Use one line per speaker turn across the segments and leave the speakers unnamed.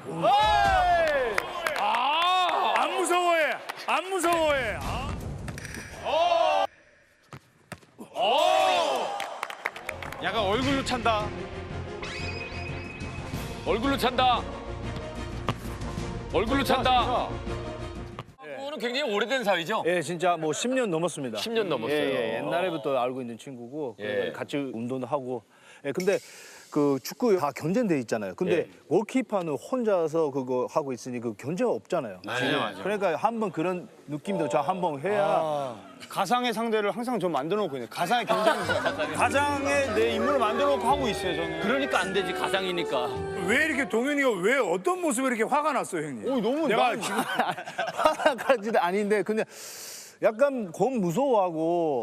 안 무서워해. 안 무서워해.
약간 얼굴로 찬다.
얼굴로 찬다. 얼굴로 찬다. 친구는 굉장히 오래된 사이죠?
예, 진짜 뭐 10년 넘었습니다.
10년 넘었어요.
예, 옛날에부터 알고 있는 친구고
예.
같이 운동도 하고. 예, 근데 그 축구 다 견제돼 있잖아요. 근데 골키퍼는 혼자서 그거 하고 있으니 그 견제가 없잖아요.
맞아요.
그러니까 한번 그런 느낌도 저 한번 해야
가상의 상대를 항상 좀 만들어 놓고 있네. 가상의 경쟁자. 가상의 내 인물을 만들어 놓고 하고 있어요, 저는.
그러니까 안 되지, 가상이니까.
왜 이렇게 동현이가 왜 어떤 모습에 이렇게 화가 났어요, 형님?
너무
내가
나-
지금
화나까지는 아닌데 그냥 약간 곰 무서워하고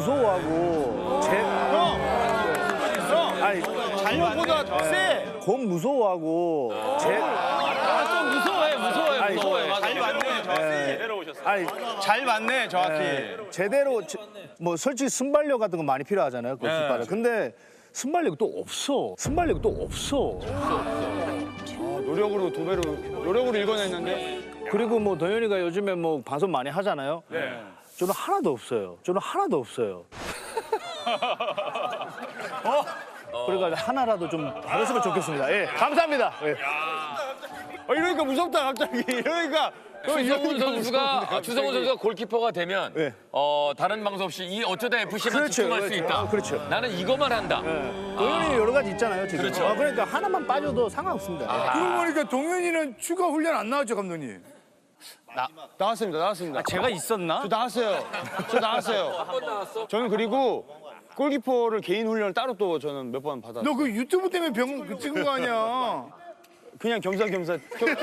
아니
잘못보다 세.
곰 무서워하고
좀 무서워해. 맞아.
잘 맞네, 정확히.
아니
잘 맞네, 정확히.
제대로 뭐 솔직히 순발력 같은 거 많이 필요하잖아요 골키퍼는. 근데 순발력이 또 없어.
노력으로 두 배로 노력으로 읽어냈는데.
그리고 뭐 도현이가 요즘에 뭐 방송 많이 하잖아요. 저는 하나도 없어요. 그러니까 하나라도 좀 받았으면 좋겠습니다. 예, 감사합니다. 예.
이러니까 무섭다, 갑자기. 이러니까.
추성훈 선수가 골키퍼가 되면
네.
다른 방송 없이 이 어쩌다 FC만
그렇죠,
집중할 수
그렇죠.
있다.
그렇죠.
나는 이거만 한다.
도현이 여러 가지 있잖아요 지금.
그렇죠.
그러니까 하나만 빠져도 상관없습니다.
그러고 보니까 동현이는 추가 훈련 안 나왔죠, 감독님?
나왔습니다.
제가 있었나?
저 나왔어요.
한번 나왔어?
저는 그리고 골키퍼를 개인 훈련을 따로 또 저는 몇 번 받았어요.
너 그 유튜브 때문에 병 찍은 거 아니야?
그냥 겸사겸사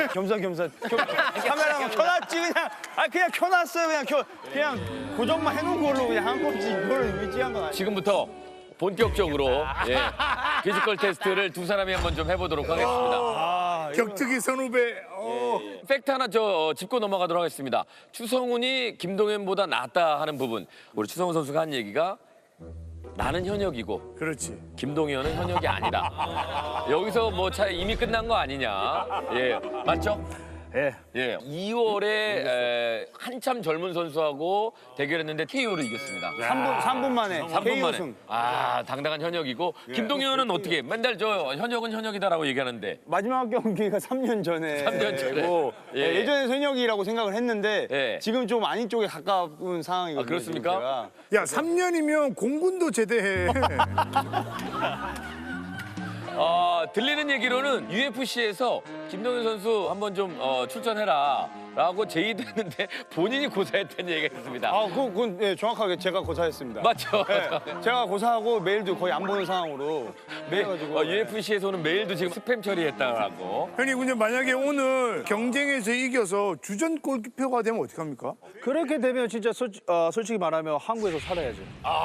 카메라만 켜놨지 그냥 켜놨어요. 그냥 고정만 해놓은 걸로 그냥 한 거지. 이거를 위지한 건 아니에요.
지금부터 본격적으로 피지컬 테스트를 두 사람이 한번 좀 해보도록 하겠습니다.
격투기 선후배.
팩트 하나 짚고 넘어가도록 하겠습니다. 추성훈이 김동현보다 낫다 하는 부분. 우리 추성훈 선수가 한 얘기가 나는 현역이고
그렇지.
김동현은 현역이 아니다. 여기서 뭐 이미 끝난 거 아니냐. 예, 맞죠?
예.
예. 2월에 한참 젊은 선수하고 대결했는데 KO로 이겼습니다.
3분 만에
3분
KO
만에.
승.
아, 당당한 현역이고 김동현은 어떻게? 맨날 현역은 현역이다라고 얘기하는데.
마지막 경기가 3년 전에
3년 전에.
되고,
예.
예전에 현역이라고 생각을 했는데
예.
지금 좀 아닌 쪽에 가까운 상황이거든요.
아, 그렇습니까?
지금 제가.
야, 3년이면 공군도 제대해.
들리는 얘기로는 UFC에서 김동현 선수 한번 좀 출전해라라고 제의도 했는데 본인이 고사했다는 얘기가 있습니다.
그건 예, 정확하게 제가 고사했습니다.
맞죠?
네, 제가 고사하고 메일도 거의 안 보는 상황으로 해가지고
UFC에서는 메일도 지금 스팸 처리했다라고.
형님, 근데 만약에 오늘 경쟁에서 이겨서 주전 골키퍼가 되면 어떡합니까?
그렇게 되면 진짜 솔직히 말하면 한국에서 살아야죠.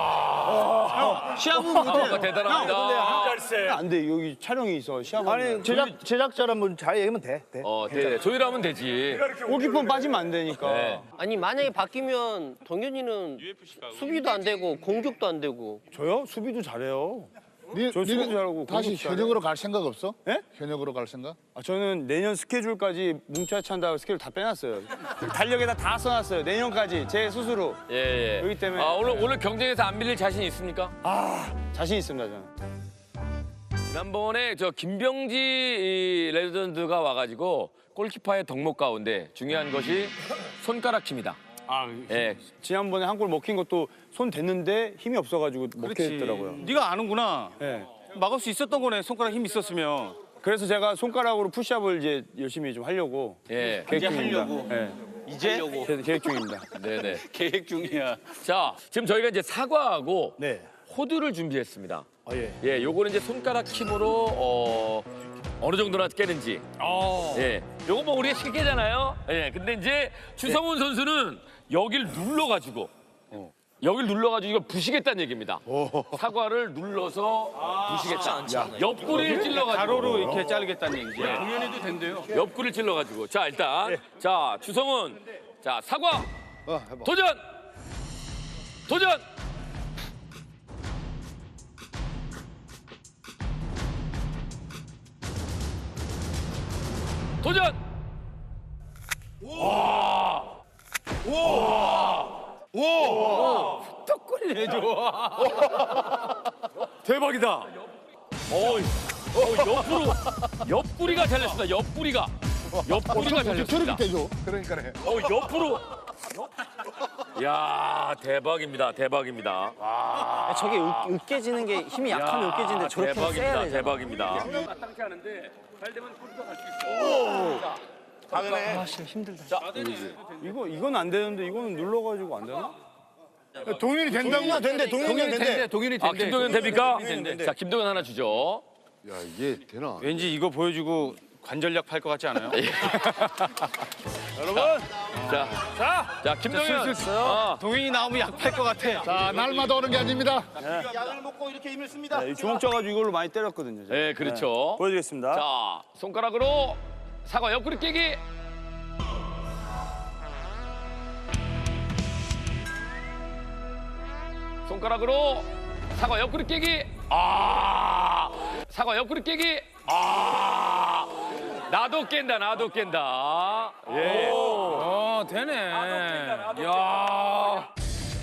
시합은
아,
못해요.
대단합니다.
안 돼, 여기 촬영이 있어. 시합은
아니 제작자라면 잘 얘기하면 돼.
네, 조율하면 되지.
골키퍼는 빠지면 안 되니까.
네.
아니 만약에 바뀌면 동현이는 수비도 안 되고 공격도 안 되고
저요? 수비도 잘해요. 저 수비도 잘하고
다시
공격도 잘해요.
현역으로 갈 생각 없어?
예?
현역으로 갈 생각?
저는 내년 스케줄까지 뭉쳐야 찬다고 스케줄 다 빼놨어요. 달력에다 다 써놨어요. 내년까지 제 스스로.
예.
그렇기 때문에
오늘 경쟁에서 안 밀릴 자신 있습니까?
자신 있습니다, 저는.
지난번에 김병지 레전드가 와가지고 골키퍼의 덕목 가운데 중요한 것이 손가락 힘이다. 예.
지난번에 한 골 먹힌 것도 손 댔는데 힘이 없어가지고 먹혔더라고요.
네가 아는구나.
네.
막을 수 있었던 거네. 손가락 힘 있었으면.
그래서 제가 손가락으로 푸시업을 이제 열심히 좀 하려고
예.
계획 중입니다.
하려고.
네.
이제
계획 중입니다.
네네.
계획 중이야.
자, 지금 저희가 이제 사과하고
네.
호두를 준비했습니다.
예.
예, 요거는 이제 손가락 힘으로 어느 정도나 깨는지. 예, 요거 뭐 우리가 쉽게잖아요. 예, 근데 이제 추성훈 선수는 여길 눌러가지고 이걸 부시겠다는 얘기입니다. 사과를 눌러서 부시겠다. 옆구리를 찔러가지고.
가로로 이렇게 자르겠다는 얘기지. 동현이도 된대요.
옆구리를 찔러가지고. 자, 일단 자 추성훈, 자 사과
해봐.
도전. 도전. 대박이다. 옆구리가 잘렸습니다. 옆구리가 잘렸습니다.
저렇게 줘. 그러니까네.
옆으로. 야, 대박입니다. 대박입니다.
저게 으깨지는 게 힘이 약하면 으깨지는데 저렇게 세야
대박입니다.
되잖아.
대박입니다. 마땅치 않은데 잘 되면 골키퍼 갈수 있어.
아, 씨, 힘들다.
이건 안 되는데 이거는 눌러가지고 안 되나?
동현이 된다고?
된대, 동현이 된대.
아, 김동현 됩니까? 자, 김동현 하나 주죠.
야 이게 되나?
왠지 이거 보여주고 관절약 팔 것 같지 않아요?
자, 김동현.
동현이 나오면 약 팔 것 같아.
자 날마다 오는 게 아닙니다.
약을 먹고 이렇게 힘을 씁니다.
네, 주먹 쪄가지고 이걸로 많이 때렸거든요. 제가.
네, 그렇죠.
보여드리겠습니다.
자, 손가락으로 사과 옆구리 깨기. 손가락으로 사과 옆구리 깨기. 사과 옆구리 깨기. 나도 깬다. 예.
되네.
야.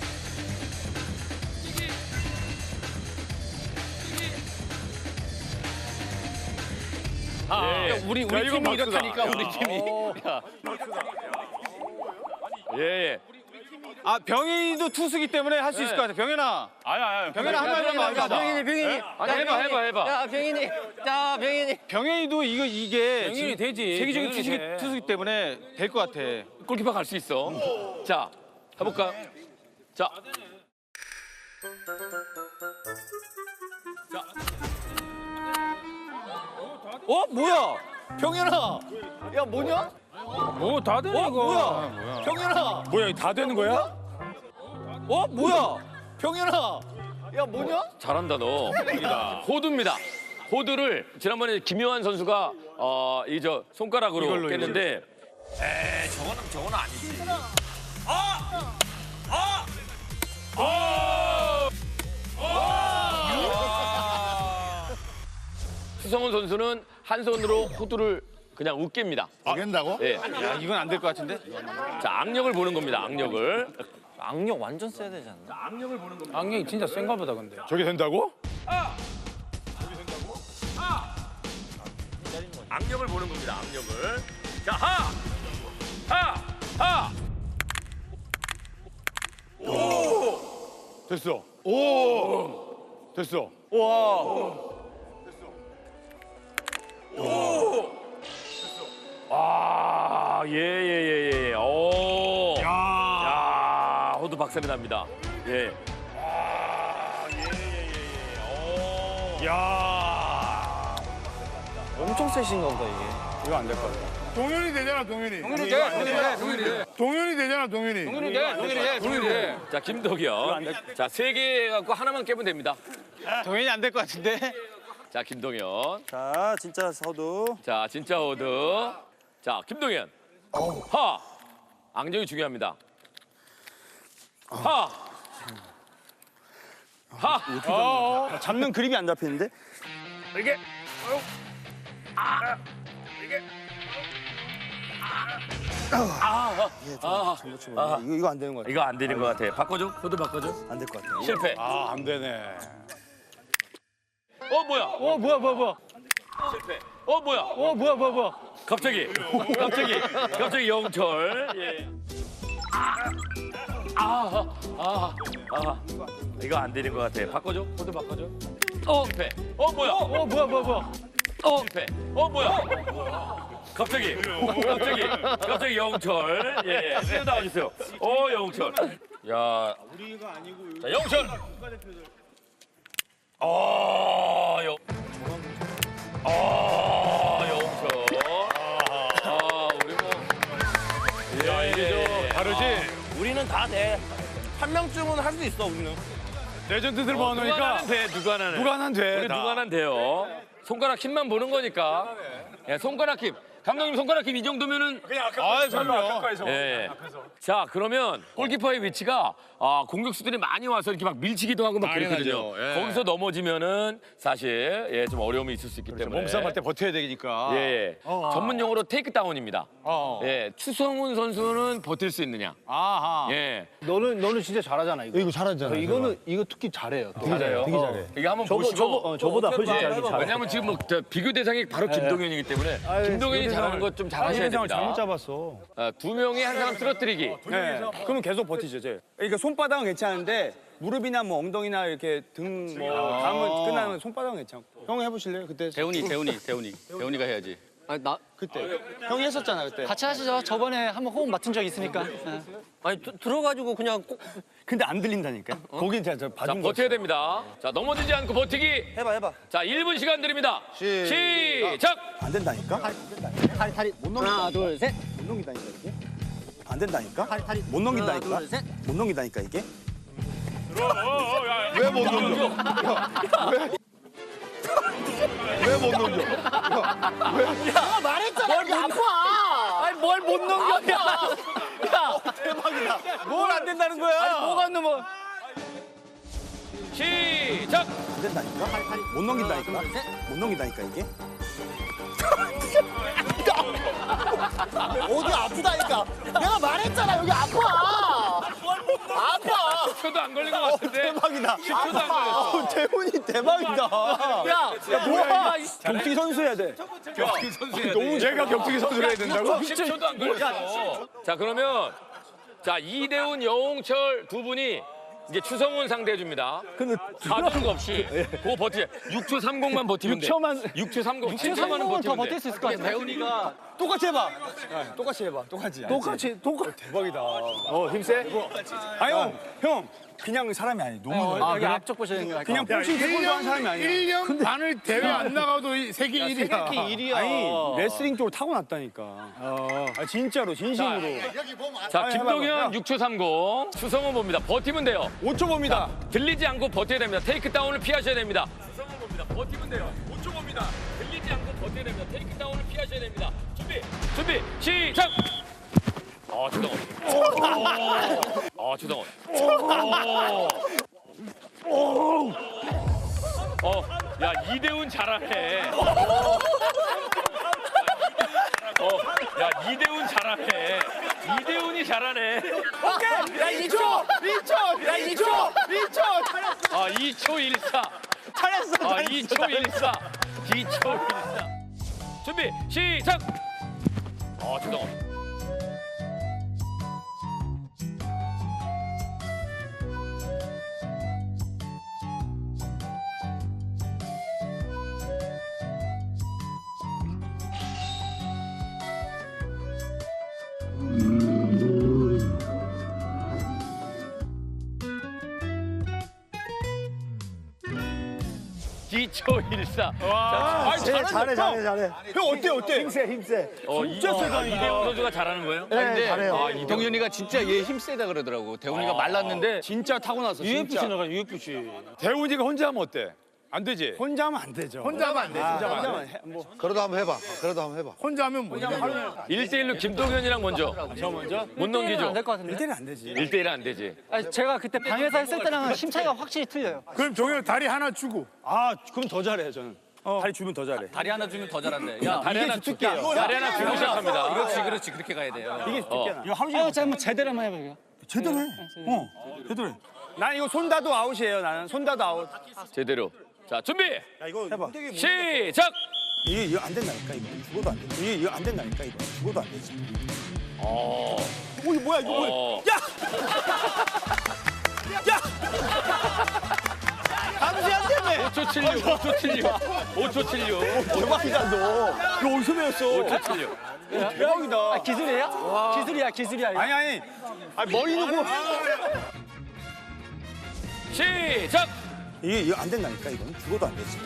우리 팀이 이렇다니까 우리 팀이.
예.
아 병현이도 투수기 때문에 할 수 있을 것 같아. 병현아. 아야. 병현아 한 마디만
자,
해봐.
병인이.
아니, 해봐.
야, 병인이. 자, 병인이.
병현이도 이게
병현이
지금
되지.
세계적인
병현이 돼.
투수기 때문에 될 것 같아.
골키퍼 갈 수 있어. 자, 해볼까? 자.
뭐야? 병현아. 야 뭐냐?
다 되네
뭐야? 병현아.
뭐야 다 되는 거야?
뭐야? 병현아. 야 뭐냐?
잘한다 너. 호두입니다. 호두를 지난번에 김요한 선수가 손가락으로
이걸로,
깼는데 저거는 아니지. 수성훈 선수는 한 손으로 호두를 그냥 으깹니다.
된다고?
예.
야 이건 안 될 것 같은데?
자, 악력을 보는 겁니다. 악력을.
악력 완전 세야 되지 않나?
악력이 진짜 센가 보다 근데.
저게 된다고?
악력을 보는 겁니다. 악력을. 자, 하.
됐어. 됐어.
예. 오. 야, 호두 박살이 납니다. 예.
엄청 세신가 보다, 이게.
이거 안 될 것 같아.
동현이 되잖아, 동현이. 동현이 되잖아, 동현이.
동현이 돼.
자, 김동현. 자, 3개 갖고 하나만 깨면 됩니다.
동현이 안 될 것 같은데?
자, 김동현.
자 진짜 서두.
자, 진짜 호두. 자, 김동현. 하. 악력이 중요합니다. 하.
잡는 그립이 안 잡히는데?
이게.
이거 안 되는 것 같아.
이거 안 되는 것 같아. 바꿔줘. 호두 바꿔줘.
안 될 것 같아.
실패.
안 되네.
뭐야?
뭐야.
실패. 뭐야? 갑자기 영철. 예. 이거 안 되는 것 같아. 바꿔줘. 호두 바꿔줘. 실패. 뭐야? 실패. 뭐야? 갑자기 영철. 예. 새로 나와주세요. 영철. 야. 자, 영철. 영철. 우리 뭐. 야, 이게 다르지?
우리는 다 돼. 한 명쯤은 할 수 있어, 우리는.
레전드들
누가
모아놓으니까
하나는 돼, 누가 하나는.
누가 하나는 돼.
우리 누가 하나는 돼요. 손가락 힘만 보는 거니까. 예, 손가락 힘. 감독님 손가락 힘 이 정도면은
아, 그럼요.
예. 자, 그러면 골키퍼의 위치가 공격수들이 많이 와서 이렇게 막 밀치기도 하고 막 그랬거든요.
당연하죠. 예.
거기서 넘어지면은 사실 좀 어려움이 있을 수 있기 때문에.
몸싸움할 때 버텨야 되니까.
예. 전문 용어로 테이크 다운입니다. 예. 추성훈 선수는 버틸 수 있느냐?
아하.
예.
너는 진짜 잘하잖아 이거.
이거 잘하잖아.
이거 특히 잘해요.
되게 잘해요.
되게 잘해.
이게 한번 보시고.
저보다 훨씬 잘해.
왜냐면 지금 뭐 비교 대상이 바로 김동현이기 때문에 김동현이 잘하는 것 좀 잘하셔야
상을 잘못
됩니다.
잡았어.
두 명이 한 사람 쓰러뜨리기.
네. 그러면 계속 버티죠, 제. 그러니까 손바닥은 괜찮은데 무릎이나 뭐 엉덩이나 이렇게 등 뭐 감은 끝나면 손바닥은 괜찮고. 형 해보실래요? 그때
대훈이가 해야지.
아니 나
그때 형이 했었잖아 그때.
같이 하시죠. 저번에 한번 호흡 맡은 적 있으니까.
아니 들어가지고 그냥
근데 안 들린다니까. 거긴 제가
자,
봐준 거.
버텨야 됩니다. 자, 넘어지지 않고 버티기.
해봐.
자, 1분 시간 드립니다. 시작!
안 된다니까?
다리 하나 둘 셋.
못 넘긴다니까 이게? 안 된다니까?
다리
못 넘긴다니까?
하나 둘 셋.
못 넘긴다니까 이게?
왜 못 넘겨? 왜 못 넘겨?
말했잖아 여기 아파.
아니 뭘 못 넘겨? 야 대박이다. 뭘 안 된다는 거야? 아니 뭐가 안 넘어?
시작!
안 된다니까? 못 넘긴다니까? 못 넘긴다니까 이게?
어디 아프다니까. 내가 말했잖아 여기 아파. 아파.
10초도 안 걸린 것 같은데.
대박이다.
10초도 안 걸렸어.
대훈이 대박이다.
야
뭐야? 격투기 선수 해야 돼.
격투기 선수 해야
너무 제가 격투기 선수를 해야 된다고?
10초도 안 걸렸어. 자, 그러면 자, 이대훈, 여홍철 두 분이 이제 추성훈 상대해 줍니다.
근데
사두는 거 없이 그거 버티자. 6초 30만 버티면 돼. 6초 30. 6초 30만은
더
버티면
버틸
돼.
수 있을 것 같은데.
대훈이가 똑같이 해봐. 똑같이 해봐. 똑같이. 대박이다.
힘세?
아니 형 그냥 사람이 아니. 너무
여기 앞쪽 보시는 거
그냥 뽕신 태권도 하는 사람이 아니야.
1년 반을 대회 안 나가도 세계 1위야.
아니 레슬링 쪽으로 타고났다니까. 아 진짜로 진심으로.
자,
아니,
김동현
해봐봐.
6초 30. 추성훈 봅니다. 버티면 돼요.
5초 봅니다.
들리지 않고 버텨야 됩니다. 테이크 다운을 피하셔야 됩니다. 추성훈 봅니다. 버티면 돼요. 5초 봅니다. 들리지 않고 버텨야 됩니다. 테이크 다운을 피하셔야 됩니다. 준비, 시작! 추성훈. 추성훈. 야, 이대훈 잘하네. 야, 이대훈 잘하네. 이대훈이 잘하네.
야 2초. 야 2초.
2초 14.
잘했어.
2초 14. 2초 14. 준비, 시작! 추성훈. 초 14.
잘해.
형 어때?
힘세.
진짜 세다. 이대훈 선수가 잘하는 거예요?
네, 잘해요.
동현이가 진짜 얘 힘 세다 그러더라고. 대훈이가 말랐는데
진짜 타고났어.
UFC 나가 UFC.
대훈이가 혼자 하면 어때? 안 되지. 혼자 하면 안 되죠.
혼자 하면 안 돼.
혼자만 해. 뭐
그래도 한번 해봐. 그래도 한번 해봐.
혼자 하면 뭐냐.
1대1로 김동현이랑 먼저.
저 먼저.
못 넘기죠?
안될 것 같은데.
1대는 안 되지.
1대1은 안 되지.
아니, 제가 그때 방에서 했을 때랑은 힘 차이가 확실히 틀려요.
그럼 동현 다리 하나 주고.
아 그럼 더 잘해 저는. 다리 주면 더 잘해.
다리 하나 주면 더 잘한대. 야,
다리 하나
주특기예요.
다리 하나 주고 시작합니다.
그렇지. 그렇게 가야 돼요.
이게 주특기야. 이거 하루 종일
한번 제대로 한번 해봐요.
제대로 해. 제대로 해. 난 이거 손다도 아웃이에요. 나는 손다도 아웃.
제대로. 자, 준비!
해봐.
시작!
이거 안 된다니까 이거. 죽어도 안 돼. 이거 안 된다니까 이거. 죽어도 안 되지.
이거 뭐야 이거 뭐야. 야! 감시한 때문에.
5초 76, 5초 76, 5초 76,
대박이다 너. 이거 어디서 배웠어?
5초 76.
대박이다.
기술이야? 기술이야.
아니. 머리 놓고.
시작!
이거 안 된다니까 이건. 죽어도 안 되지.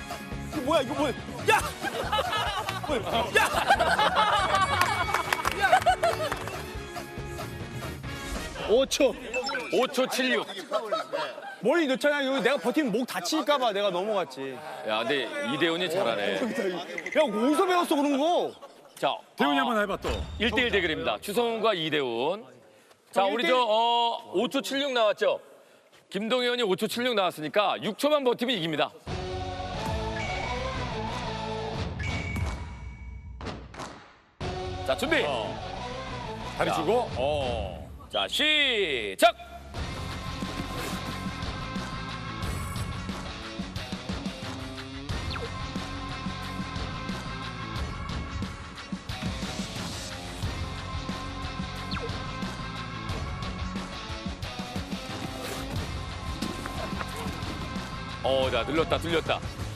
이거 뭐야? 야!
5초.
5초 76.
멀리 넣잖아. 여기 내가 버티면 목 다칠까봐 내가 넘어갔지.
야, 근데 이대훈이 잘하네.
야, 어디서 배웠어, 그런 거?
자, 대훈이 한번 해봐 또. 1대1 대결입니다. 추성훈과 이대훈. 자, 우리 5초 76 나왔죠? 김동현이 5초 76 나왔으니까 6초만 버티면 이깁니다. 자, 준비.
다리 주고.
자, 시작. 자, 들렸다.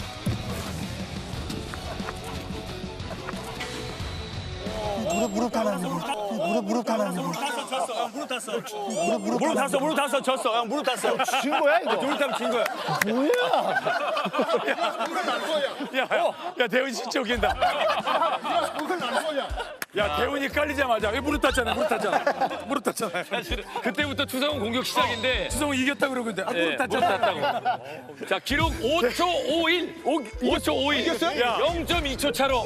무릎 타는 무릎 타는
무릎 탔어, 졌어. 형, 무릎 탔어.
진 거야 이거?
무릎 타면 진 거야.
야, 대훈 진짜 웃긴다. 야, 대훈이 깔리자마자 왜 무릎 탔잖아.
사실은 그때부터 추성훈 공격 시작인데
추성훈 이겼다 그러고 있는데 무릎 탔잖아.
tas다고. 자, 기록 5초 51. 5초 51.
이겼어요?
0.2초 차로.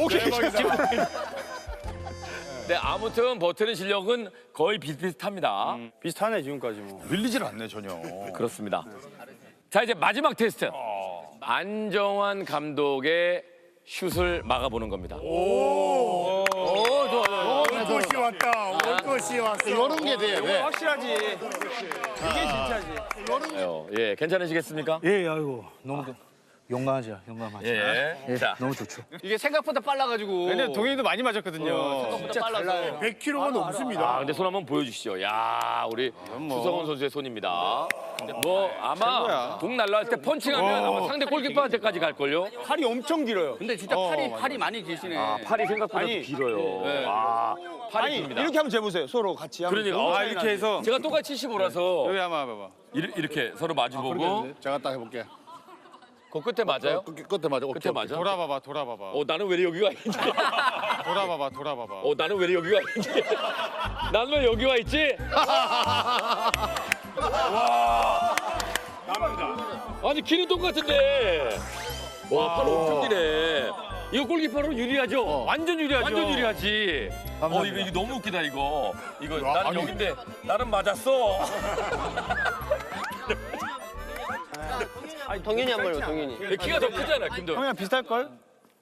네, 아무튼 버티는 실력은 거의 비슷비슷합니다.
비슷하네, 지금까지 뭐.
밀리질 않네 전혀.
그렇습니다. 자, 이제 마지막 테스트. 안정환 감독의 슛을 막아보는 겁니다.
올 것이 왔다. 올 것이 왔어.
이런 게 돼. 왜?
확실하지. 이게 진짜지.
예, 괜찮으시겠습니까?
예, 아이고 너무 용감하죠.
예. 자,
너무 좋죠.
이게 생각보다 빨라가지고.
근데 동현이도 많이 맞았거든요.
진짜 빨라요.
100kg가 넘습니다.
근데 손 한번 보여주시죠. 야, 우리 추성훈 선수의 손입니다. 뭐 아마 공 날라갈 때 펀칭하면 아마 상대 골키퍼한테까지 갈걸요?
팔이 엄청 길어요.
근데 진짜 팔이 많이 길시네.
팔이 생각보다
아니,
길어요. 와, 팔이
아니,
깁니다.
이렇게 한번 재보세요. 서로 같이 한번.
그러니까
이렇게 해서.
제가 똑같이 75라서
여기 한번 봐봐.
이렇게 서로 마주보고
제가 딱 해볼게.
그 끝에 맞아요?
끝에 맞아.
끝에 맞아?
돌아봐봐.
나는 왜 여기가 있지?
돌아봐봐.
나는 왜 여기가 있지? 나는 왜 여기 와 있지? 와. 아니 키는 똑같은데. 와, 팔 엄청 기네. 이거 골키퍼로 유리하죠?
완전 유리하죠.
완전 유리하지. 이거 너무 웃기다 이거. 나는 여긴데 나는 맞았어.
동현이 한 번요, 동현이.
키가 더 크잖아, 김도.
형이랑 비슷할걸?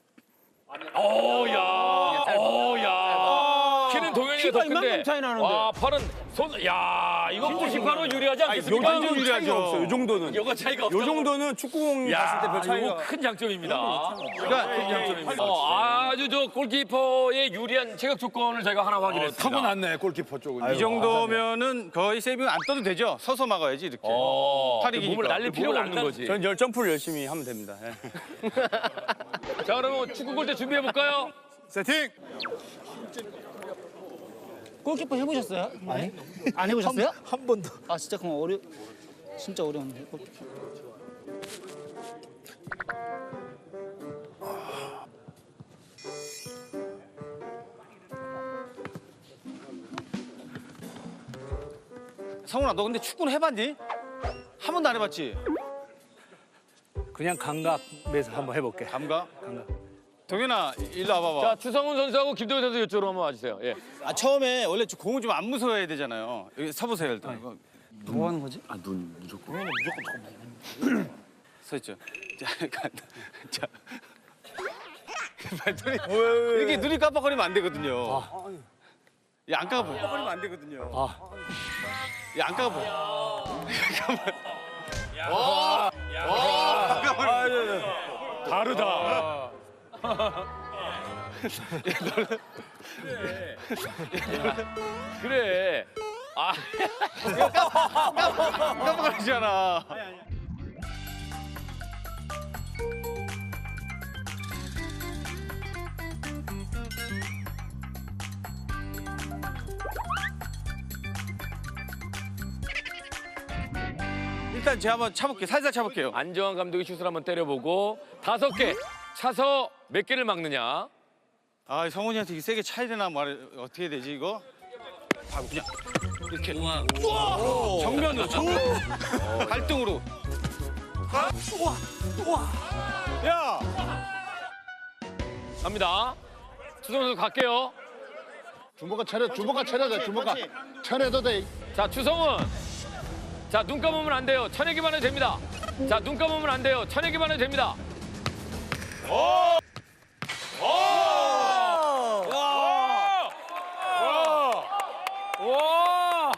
키는 동현이가
키가
더 큰데.
이만큼 차이 나는데.
와, 팔은 이거 골키퍼로 유리하지 않겠습니까?
완전 유리하죠. 없어. 요 정도는.
이거 차이가 없어.
요 정도는 축구공 봤을 때 별 차이가.
이거 큰 장점입니다. 큰 장점입니다. 아주 저 골키퍼의 유리한 체격 조건을 저희가 하나 확인했습니다.
타고났네 골키퍼 쪽은.
이 정도면은 거의 세이빙 안 떠도 되죠. 서서 막아야지 이렇게. 팔이 기니까.
몸을 날릴 필요가 없는 거지.
전 점프를 열심히 하면 됩니다. 예.
자, 그러면 축구 골대 준비해 볼까요?
세팅.
골키퍼 해보셨어요? 아니. 안 해보셨어요?
한 번도.
아 진짜 그럼 진짜 어려운데 골키퍼.
성훈아, 너 근데 축구는 해봤니? 한 번도 안 해봤지?
그냥 감각에서 한번 해볼게.
감각? 동현아, 일로 와봐봐.
자, 추성훈 선수하고 김동현 선수 이쪽으로 한번 와주세요. 예.
처음에 원래 공을 좀 안 무서워해야 되잖아요. 여기 서보세요 일단.
뭐 하는 거지?
서 있죠. 자. 이렇게 눈이 깜빡거리면 안 되거든요. 야, 안 깜빡거려. 깜빡거리면 안 되거든요. 야, 안 깜빡거려.
다르다.
그래.
깜빡거리잖아. 일단 제가 한번 차볼게요. 살살 차볼게요.
안정환 감독이 슛을 한번 때려보고 5개 차서 몇 개를 막느냐.
아, 성훈이한테 세게 차야 되나 어떻게 해야 되지 이거?
바로 그냥 이렇게
정면으로
발등으로.
야
갑니다. 추성훈 선수 갈게요.
주먹아 차려 돼. 주먹아 차려도 돼.
자, 추성훈. 자, 눈 감으면 안 돼요. 쳐내기만 해도 됩니다. 자, 눈 감으면 안 돼요. 쳐내기만 해도 됩니다. 와!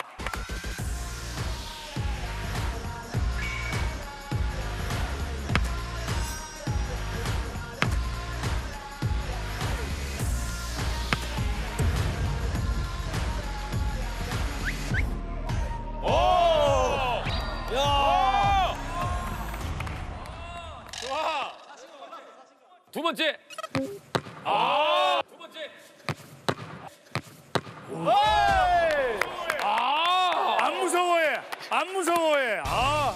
두 번째. 아! 두 번째. 아!
안 무서워해. 안 무서워해. 아.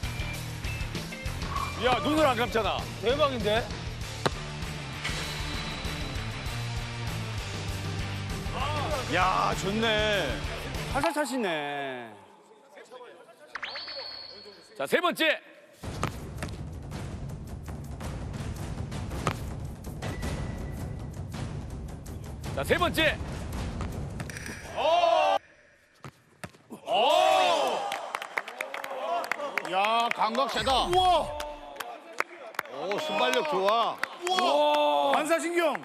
야 눈을 안 감잖아.
대박인데?
야 좋네. 살살 차시네.
자, 세 번째. 자, 세 번째.
야 감각 세다. 우와. 오 순발력 좋아.
반사신경.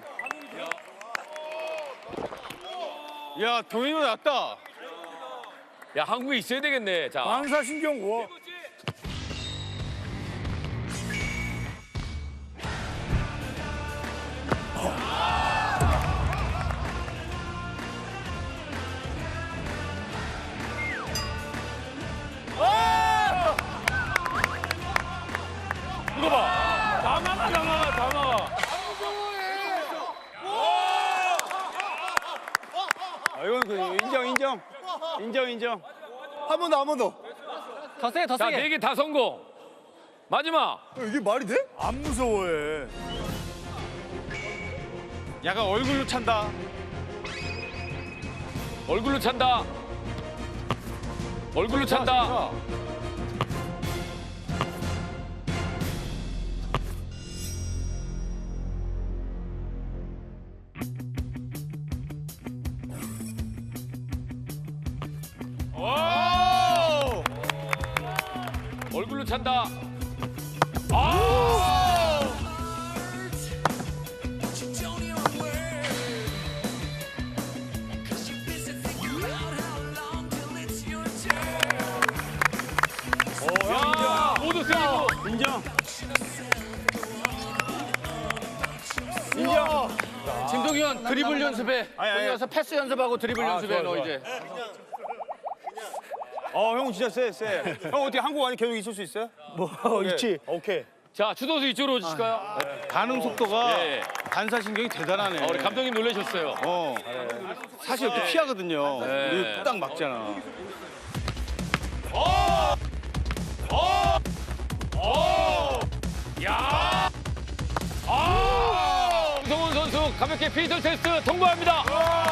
야 동현이 낫다.
야, 한국에 있어야 되겠네. 자.
반사신경. 와.
이거 봐. 다 막아.
아, 이건 그 인정.
한 번 더.
더 세게, 더
자,
세게.
네 개 다 성공. 마지막.
이게 말이 돼?
안 무서워해.
약간 얼굴로 찬다.
얼굴로 찬다. 얼굴로 찬다. 얼굴로 찬다. 아! 야, 모두 세이브.
인정.
김동현 드리블 연습해.
아니.
거기 가서 패스 연습하고 드리블 연습해 너 이제.
형 진짜 세. 형 어떻게 한국 안에 계속 있을 수 있어요?
있지.
오케이.
자, 추도수 이쪽으로 오실까요?
반응 속도가
예.
반사신경이 대단하네.
우리 감독님 놀라셨어요.
사실 이렇게 피하거든요.
네.
우리 딱 막잖아.
야! 김성훈 선수 가볍게 피지컬 테스트 통과합니다.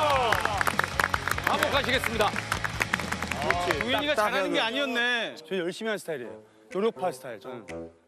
한복하시겠습니다.
동현이가 잘하는 게 아니었네. 저 열심히 하는 스타일이에요. 노력파 스타일 저는.